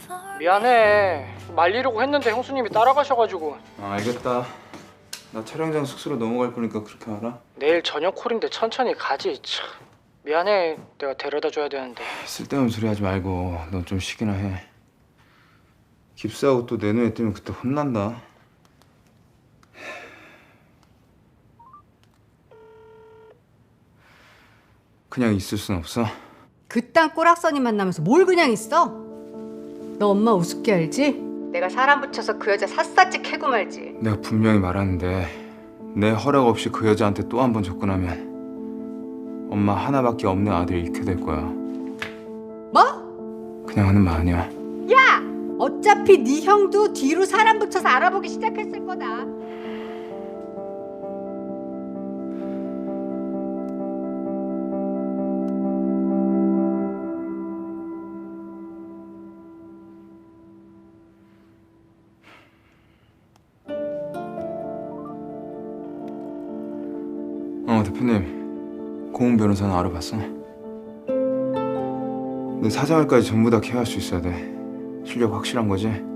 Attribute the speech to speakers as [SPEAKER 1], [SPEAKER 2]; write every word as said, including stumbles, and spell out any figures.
[SPEAKER 1] 미안해. 말리려고 했는데 형수님이 따라가셔가지고.
[SPEAKER 2] 아, 알겠다. 나 촬영장 숙소로 넘어갈 거니까 그렇게 알아?
[SPEAKER 1] 내일 저녁 콜인데 천천히 가지. 참. 미안해. 내가 데려다 줘야 되는데.
[SPEAKER 2] 쓸데없는 소리 하지 말고 넌 좀 쉬기나 해. 깁스하고 또 내 눈에 띄면 그때 혼난다. 그냥 있을 순 없어?
[SPEAKER 3] 그딴 꼬락서니 만나면서 뭘 그냥 있어? 너 엄마 우습게 알지? 내가 사람 붙여서 그 여자 샅샅이 캐고 말지.
[SPEAKER 2] 내가 분명히 말하는데 내 허락 없이 그 여자한테 또 한 번 접근하면 엄마 하나밖에 없는 아들 잃게 될 거야.
[SPEAKER 3] 뭐?
[SPEAKER 2] 그냥 하는 말 아니야.
[SPEAKER 3] 야! 어차피 네 형도 뒤로 사람 붙여서 알아보기 시작했을 거다.
[SPEAKER 2] 어, 대표님. 고은 변호사는 알아봤어? 내 사생활까지 전부 다 케어할 수 있어야 돼. 실력 확실한 거지?